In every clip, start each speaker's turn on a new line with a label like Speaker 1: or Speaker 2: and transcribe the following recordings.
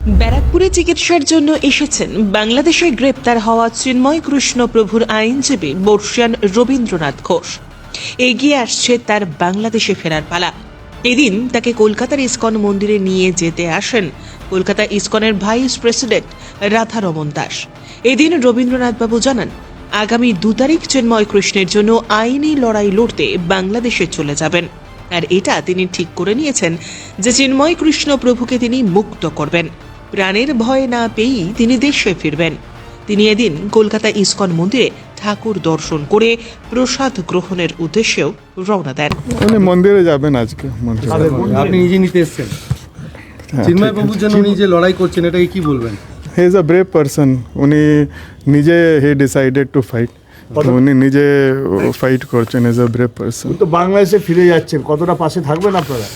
Speaker 1: ব্যারাকপুরে চিকিৎসার জন্য এসেছেন বাংলাদেশে গ্রেপ্তার হওয়া চিন্ময় কৃষ্ণ প্রভুর আইনজীবী বর্ষিয়ান রবীন্দ্রনাথ ঘোষ। এগিয়ে আসছে তার বাংলাদেশে ফেরার পালা। এদিন তাকে কলকাতার ইসকন মন্দিরে নিয়ে যেতে আসেন কলকাতা ইসকনের ভাইস প্রেসিডেন্ট রাধারমন দাস। এদিন রবীন্দ্রনাথবাবু জানান, আগামী 2 তারিখ চিন্ময় কৃষ্ণের জন্য আইনি লড়াই লড়তে বাংলাদেশে চলে যাবেন। আর এটা তিনি ঠিক করে নিয়েছেন যে চিন্ময় কৃষ্ণ প্রভুকে তিনি মুক্ত করবেন। প্রাণের ভয় না পেয়েই তিনি দেশে ফিরবেন। তিনি এদিন কলকাতা ইসকন মন্দিরে ঠাকুর দর্শন করে প্রসাদ গ্রহণের উদ্দেশ্যেও রওনা দেন।
Speaker 2: উনি মন্দিরে যাবেন আজকে।
Speaker 3: আপনি নিজে নিতে এসেছেন চিন্ময় প্রভুর জন্য, উনি যে লড়াই করছেন এটাকে কি বলবেন?
Speaker 2: He is a brave person. উনি নিজে হি ডিসাইডেড টু ফাইট। উনি নিজে ফাইট করছেন। Is a brave person.
Speaker 4: তো বাংলাদেশে ফিরে যাচ্ছেন, কতটা পাশে থাকবেন আপনারা?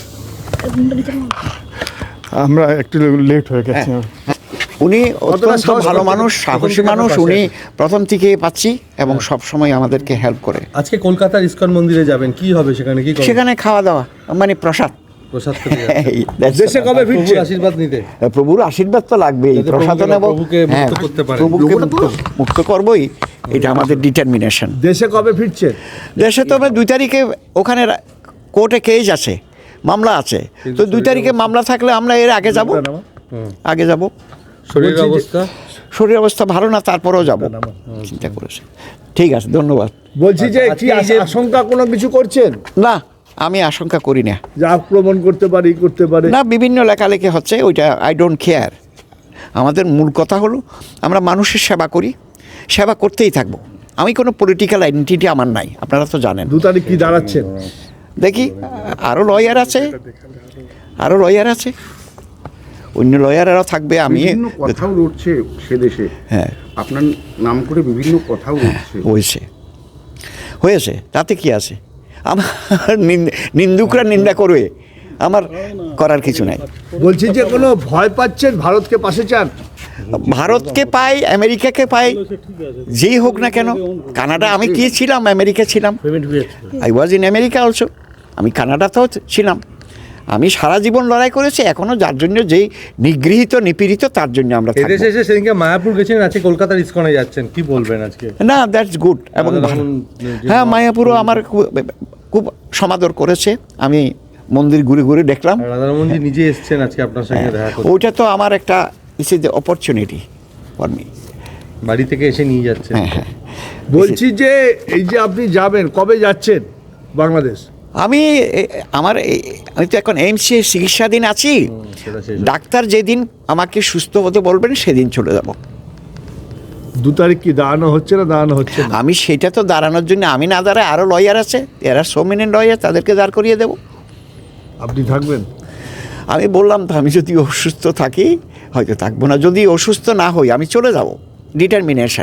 Speaker 2: আমরা একটু লেট হয়ে গেছি।
Speaker 5: উনি অত্যন্ত ভালো মানুষ, সাহসী মানুষ। উনি প্রথম থেকে পাচ্ছি এবং সব সময় আমাদেরকে হেল্প করে।
Speaker 3: আজকে কলকাতার ইসকন মন্দিরে যাবেন, কি হবে সেখানে? কি
Speaker 5: সেখানে খাওয়া দাওয়া, মানে প্রসাদ।
Speaker 4: দেশে কবে ফিরছে?
Speaker 3: আশীর্বাদ নিতে।
Speaker 5: প্রভুর আশীর্বাদ তো লাগবেই, প্রসাদ নেব,
Speaker 3: প্রভুকে মুক্ত করতে পারে।
Speaker 5: প্রভুকে মুক্ত করবই, এটা আমাদের ডিটারমিনেশন।
Speaker 4: দেশে কবে ফিরছে?
Speaker 5: দেশে তবে 2 তারিখে ওখানে কোর্টে কেস আছে, মামলা আছে। তো 2 তারিখে মামলা থাকলে আমরা এর আগে যাব। শরীর অবস্থা ভালো না, তারপরেও যাব চিন্তা করেছে। ঠিক আছে, ধন্যবাদ।
Speaker 4: বলছি যে কি আশঙ্কা কোনো কিছু করছেন?
Speaker 5: না, আমি আশঙ্কা করি না
Speaker 4: যে আক্রমণ করতে পারে
Speaker 5: না। বিভিন্ন লেখালেখি হচ্ছে, ওইটা আই ডোন্ট কেয়ার। আমাদের মূল কথা হলো আমরা মানুষের সেবা করি, সেবা করতেই থাকবো। আমি কোনো পলিটিক্যাল আইডেন্টিটি আমার নাই, আপনারা তো জানেন।
Speaker 4: 2 তারিখ কি দাঁড়াচ্ছেন?
Speaker 5: দেখি, আরও লয়ার আছে, অন্য লয়ারেরাও থাকবে। আমি
Speaker 6: কথাও উঠছে সে দেশে,
Speaker 5: হ্যাঁ,
Speaker 6: আপনার নাম করে বিভিন্ন কথাও উঠছে।
Speaker 5: হয়েছে, তাতে কি আছে? আমার নিন্দুকরা নিন্দা করবে, আমার করার কিছু নাই।
Speaker 4: বলছি যে কোনো ভয় পাচ্ছেন? ভারতকে পাশে চান?
Speaker 5: ভারতকে পাই, আমেরিকাকে পাই, যেই হোক না কেন। কানাডা, আমি কি ছিলাম? আমেরিকা ছিলাম। I was in America also. আমি কানাডাতেও ছিলাম। আমি সারা জীবন লড়াই করেছি। এখনো যার জন্য যেই নিগৃহীত নিপীড়িত, তার জন্য আমরা থাকবো।
Speaker 3: এদেশে এসে সেদিনকে মায়াপুর গেছেন, আজকে কলকাতার ইসকনে যাচ্ছেন, কি বলবেন আজকে?
Speaker 5: না, দ্যাটস গুড এবং ভালো। হ্যাঁ, মায়াপুরও আমার খুব সমাদর করেছে। আমি মন্দির ঘুরে ঘুরে দেখলাম।
Speaker 3: রাধারমনজি নিজে এসেছেন আজকে আপনার সঙ্গে দেখা করতে।
Speaker 5: ওইটা তো আমার একটা is is the opportunity for me.
Speaker 3: বাড়ি থেকে এসে নিয়ে যাচ্ছেন।
Speaker 5: হ্যাঁ।
Speaker 4: বলছি যে এই যে আপনি যাবেন, কবে যাচ্ছেন বাংলাদেশ?
Speaker 5: আমি তো এখন এইমসে চিকিৎসাধীন আছি। ডাক্তার যেদিন আমাকে সুস্থ হতে বলবেন সেদিন চলে যাব।
Speaker 4: 2 তারিখ কি দাঁড়ানো হচ্ছে না?
Speaker 5: আমি সেটা তো দাঁড়ানোর জন্য আমি না দাঁড়ায়, আরও লয়ার আছে, এরা সো মেনি লয়ার, তাদেরকে দাঁড় করিয়ে দেব।
Speaker 4: আপনি থাকবেন?
Speaker 5: আমি বললাম তো, আমি যদি অসুস্থ থাকি হয়তো থাকবো না, যদি অসুস্থ না হই আমি চলে যাব। ডিটারমিনেশন।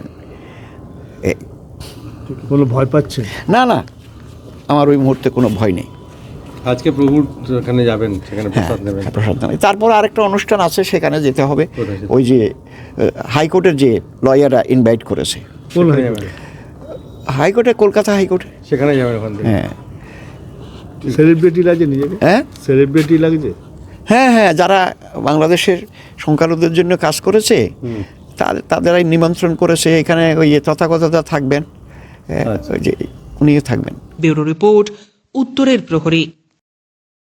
Speaker 4: কোনো ভয় পাচ্ছেন?
Speaker 5: না, আমার ওই মুহূর্তে কোনো ভয় নেই।
Speaker 3: আজকে প্রভুর এখানে যাবেন, সেখানে প্রসাদ নেবেন।
Speaker 5: প্রসাদ নেবেন। তারপর আরেকটা অনুষ্ঠান আছে, সেখানে যেতে হবে। ওই যে হাইকোর্টের যে লয়াররা ইনভাইট করেছে।
Speaker 4: কোন
Speaker 5: হাইকোর্টে? কলকাতা হাইকোর্টে।
Speaker 3: সেখানে যাবেন ওখান থেকে।
Speaker 5: হ্যাঁ।
Speaker 4: সেলিব্রিটি লাগে নিজেকে?
Speaker 5: হ্যাঁ,
Speaker 4: সেলিব্রিটি লাগছে।
Speaker 5: হ্যাঁ, যারা বাংলাদেশের সংখ্যালঘুদের জন্য কাজ করেছে তাদেরাই নিমন্ত্রণ করেছে। এখানে ওই তথাগতরা থাকবেন, ওই যে উনিও থাকবেন।
Speaker 1: ব্যুরো রিপোর্ট, উত্তরের প্রহরী।